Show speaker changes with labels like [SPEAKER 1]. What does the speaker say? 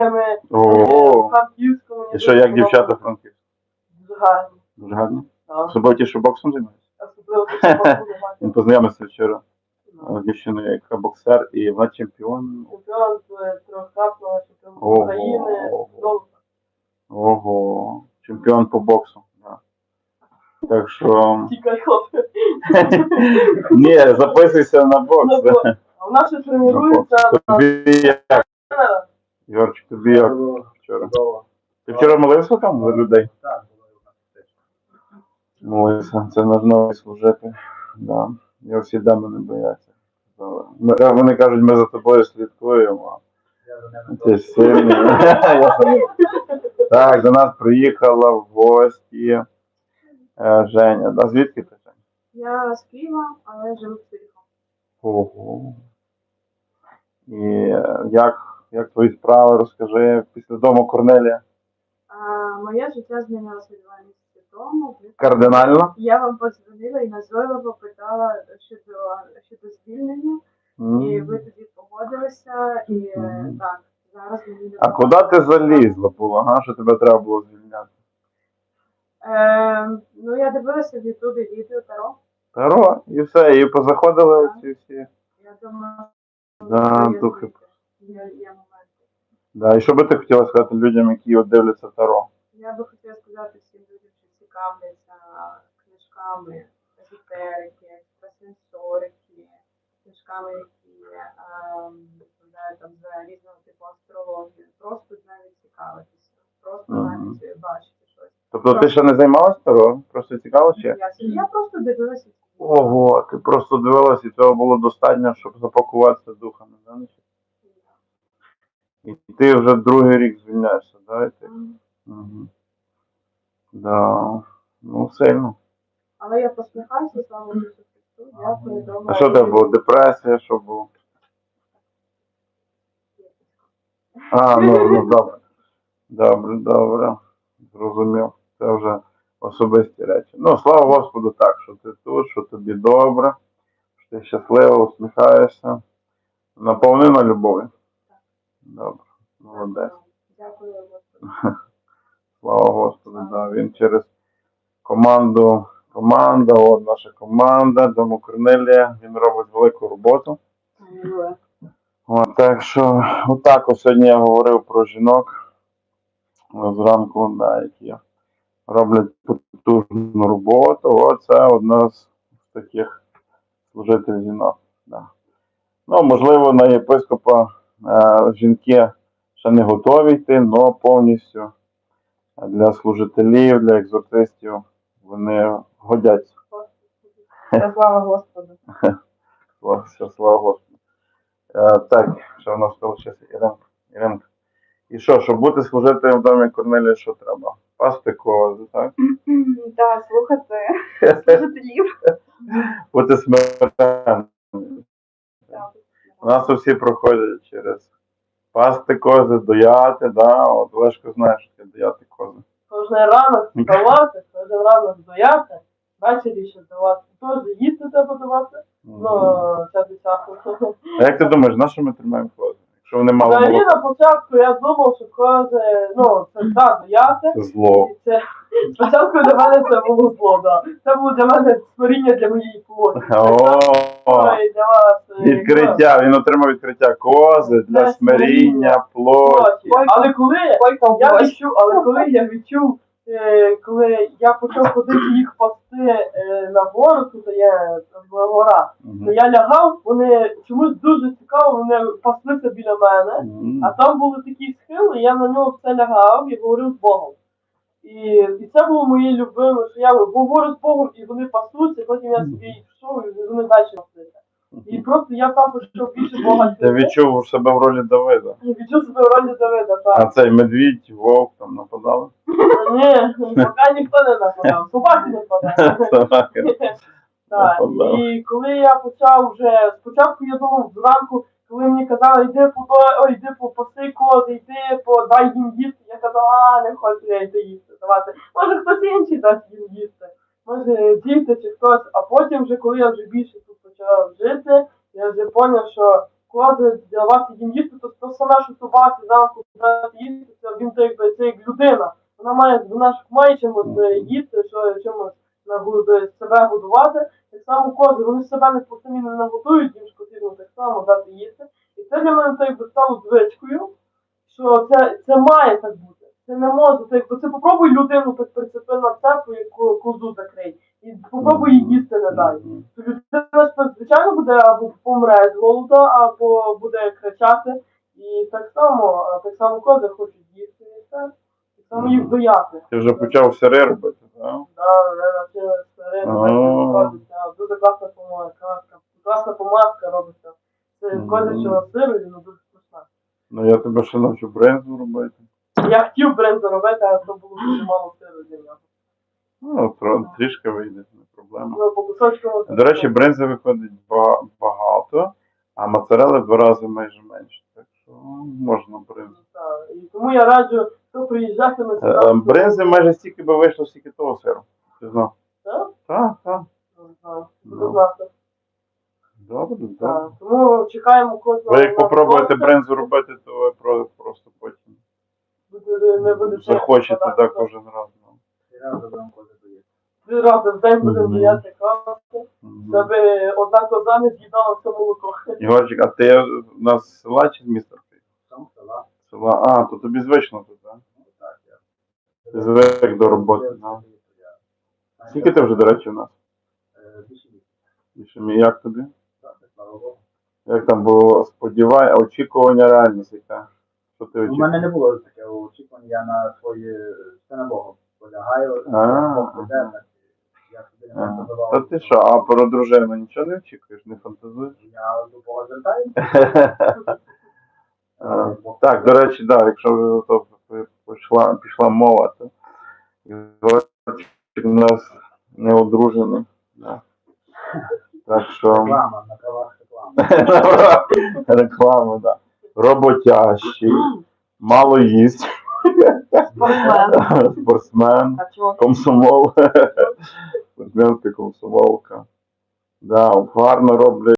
[SPEAKER 1] Ого.
[SPEAKER 2] Франківському.
[SPEAKER 1] І що, як дівчата франківські?
[SPEAKER 2] Дуже гарні.
[SPEAKER 1] Дуже гарні?
[SPEAKER 2] Так.
[SPEAKER 1] Особливо ті, що боксом займаються?
[SPEAKER 2] Особливо ті, що боксом займаються.
[SPEAKER 1] Він познайомився вчора з дівчиною, яка боксер, і вона чемпіон.
[SPEAKER 2] Чемпіон трьохкратного чемпіон України.
[SPEAKER 1] Ого. Ого. Чемпіон по боксу. Да. Так що...
[SPEAKER 2] Тікай, хлопці.
[SPEAKER 1] Ні, записуйся на бокс.
[SPEAKER 2] А в нас ще тренується...
[SPEAKER 1] Тобі як? Йорчик, тобі як вчора? Ти вчора молився там за людей?
[SPEAKER 3] Так,
[SPEAKER 1] Молився. Це наш новий служитель. Да. Я всі дами не бояться. Вони кажуть, ми за тобою слідкуємо. Ти сильний. Так, до нас приїхала в гості Женя. Да, звідки ти, Женя?
[SPEAKER 4] Я з Києва, але живу в Києві.
[SPEAKER 1] Ого. І як твої справи, розкажи, після дому Корнелія?
[SPEAKER 4] Моє життя змінилося 2 місяці тому.
[SPEAKER 1] Кардинально?
[SPEAKER 4] Я вам подзвонила і назойливо питала щодо звільнення. І ви тоді погодилися, і так, зараз мені...
[SPEAKER 1] А куди ти залізла була, га? Що тебе треба було звільняти?
[SPEAKER 4] Ну, я дивилася в Ютубі відео Таро.
[SPEAKER 1] Таро, і все, і позаходили ці всі.
[SPEAKER 4] Я думаю,
[SPEAKER 1] Да,
[SPEAKER 4] що
[SPEAKER 1] духи.
[SPEAKER 4] є моменти.
[SPEAKER 1] Да, і що би ти хотіла сказати людям, які от дивляться Таро?
[SPEAKER 4] Я би хотіла сказати всім людям, що цікавляться книжками езотерики, екстрасенсорики, книжками, які розповідають там за різного типу астрологію. Просто навіть цікавитися, просто навіть бачити щось.
[SPEAKER 1] Тобто ти ще не займалась Таро? Просто цікавилася?
[SPEAKER 4] Я просто дивилася.
[SPEAKER 1] Ого, ти просто дивилась, і цього було достатньо, щоб запакуватися духами, да? І ти вже другий рік звільняєшся, да? Угу. Да. Ну, сильно.
[SPEAKER 4] Але я посміхаюся, слава Ісусу Христу. Дякую, добре.
[SPEAKER 1] А що тебе було? Депресія, що було? Ну добре. Добре. Зрозумів. Це вже особисті речі. Ну, слава Господу так, що ти тут, що тобі добре, що ти щасливо, усміхаєшся. Наповнена любов'ю. Добре. Молодець.
[SPEAKER 4] Дякую, Господу.
[SPEAKER 1] Слава Господу, да. Він через команда, от наша команда, Дому Корнелія, він робить велику роботу. От, так що, отак ось сьогодні я говорив про жінок зранку, да, які роблять потужну роботу. Оце одна з таких служителів жінок. Да. Ну, можливо, на єпископа жінки ще не готові йти, але повністю для служителів, для екзорцистів вони годяться.
[SPEAKER 2] Слава Господу.
[SPEAKER 1] Слава Господу. Так, що в нас залишилося? Іринка. І що, щоб бути служителем в домі Корнелія, що треба? Пасти кози, так?
[SPEAKER 4] Так, слухати служителів.
[SPEAKER 1] Бути смиренним. У нас всі проходять через пасти кози, дояти, да? От Лешко знає, що таке дояти кози.
[SPEAKER 2] Кожен ранок вставати, кожен ранок дояти, ввечері ще давати. Теж їсти треба давати. Ну, це десятку.
[SPEAKER 1] А як ти думаєш, на що ми тримаємо кози? Якщо вони мало
[SPEAKER 2] Взагалі
[SPEAKER 1] молока?
[SPEAKER 2] на початку я думав, що кози, ну, це так, дояти.
[SPEAKER 1] Це зло.
[SPEAKER 2] І це, спочатку для мене це було зло, да. Це було для мене створіння для моєї плоті. Ой, для вас.
[SPEAKER 1] Відкриття, він отримав відкриття кози для смиріння, плоті.
[SPEAKER 2] Коли я відчув, коли я почав ходити їх пасти на гору, тут є гора, то я лягав, вони чомусь дуже цікаво, вони паслися біля мене, а там були такі схили, я на нього все лягав і говорив з Богом. І це було моє любиме, що я говорю з Богом, і вони пасуться, потім я собі йшов, і вони далі паслися. І просто я там почав більше Бога.
[SPEAKER 1] Ти відчув себе в ролі Давида?
[SPEAKER 2] Я відчув себе в ролі Давида, так.
[SPEAKER 1] А цей медвідь, вовк там нападали?
[SPEAKER 2] Ні, поки ніхто не нападав. Собаки не нападали. Так, і коли я почав вже, спочатку я думав зранку, коли мені казали, йди попаси кози, йди, дай їм їсти, я казав, не хочу я йти їсти давати. Може хтось інший дасть їм їсти, може діти чи хтось, а потім вже, коли я вже більше тут почав жити, я вже зрозумів, що кози давати їм їсти, то саме, що собаці зранку дати їсти, це як людина. Вона ж має чимось їсти, чимось себе годувати. Так само кози, вони себе не самі не нагодують, їм ж потрібно так само дати їсти. І це для мене стало звичкою, що це має так бути. Це не може, це попробуй людину так прицепи на цепу, як козу закрий. І попробуй їй їсти не дай. То людина, звичайно, буде або помре з голоду, або буде кричати. І так само кози хочуть їсти і все. Так само їх дояти.
[SPEAKER 1] Ти вже почав сири робити, так?
[SPEAKER 2] Так, вже навчилися сири робиться. Дуже класна помадка робиться. Це козячого сиру, і дуже смачна.
[SPEAKER 1] Ну я тебе ще навчу бринзу робити.
[SPEAKER 2] Я хотів бринзу робити, але то було дуже мало сиру для нього.
[SPEAKER 1] Ну, трішки вийде, не проблема.
[SPEAKER 2] Ну, по кусочкам.
[SPEAKER 1] До речі, бринзи виходить багато, а моцарели в 2 рази майже менше. Так що можна бринзу.
[SPEAKER 2] Так, і тому я раджу, хто приїжджатиме сюди.
[SPEAKER 1] Бринзи майже стільки би вийшло, стільки того сиру. Ти знав?
[SPEAKER 2] Так?
[SPEAKER 1] Так.
[SPEAKER 2] Не знаю. Буду знати.
[SPEAKER 1] Добре, добре.
[SPEAKER 2] Так. Тому чекаємо кожного.
[SPEAKER 1] Ви як попробуєте
[SPEAKER 2] гостя.
[SPEAKER 1] бринзу робити, то ви просто потім
[SPEAKER 2] Не буде
[SPEAKER 1] захочете так кожен раз. Ну.
[SPEAKER 2] 3 рази в день будемо
[SPEAKER 1] Мгм.
[SPEAKER 2] дояти каси,
[SPEAKER 1] Мгм.
[SPEAKER 2] аби одна коза не з'їдала все молоко.
[SPEAKER 1] Ігорчик, а ти у нас з села чи з міста?
[SPEAKER 3] Сам села.
[SPEAKER 1] Села. А, то тобі звично тут, так?
[SPEAKER 3] Ну так, я.
[SPEAKER 1] Ти звик до роботи. Ну. Скільки ти вже, до речі, у нас?
[SPEAKER 3] Більше
[SPEAKER 1] Як тобі?
[SPEAKER 3] так, слава Богу.
[SPEAKER 1] Як там було очікування, реальність яка? Що ти
[SPEAKER 3] У мене
[SPEAKER 1] очікував?
[SPEAKER 3] не було такого очікування, я на своє все на Бога полягаю,
[SPEAKER 1] А,
[SPEAKER 3] Бог веде, так, я собі не
[SPEAKER 1] Ага.
[SPEAKER 3] задавав.
[SPEAKER 1] Та ти що, а про дружину нічого не очікуєш, не фантазуєш?
[SPEAKER 3] Я до Бога звертаюся.
[SPEAKER 1] Так, до речі, да, якщо вже то пішла мова, то Ігорчик у нас не одружений. Да. Так що
[SPEAKER 3] Реклама, на правах реклами.
[SPEAKER 1] реклама, да. Роботящий, мало їсть,
[SPEAKER 2] Спортсмен.
[SPEAKER 1] спортсмен,
[SPEAKER 2] А чого?
[SPEAKER 1] комсомол, спортсменська комсомолка. Да, гарно роблять.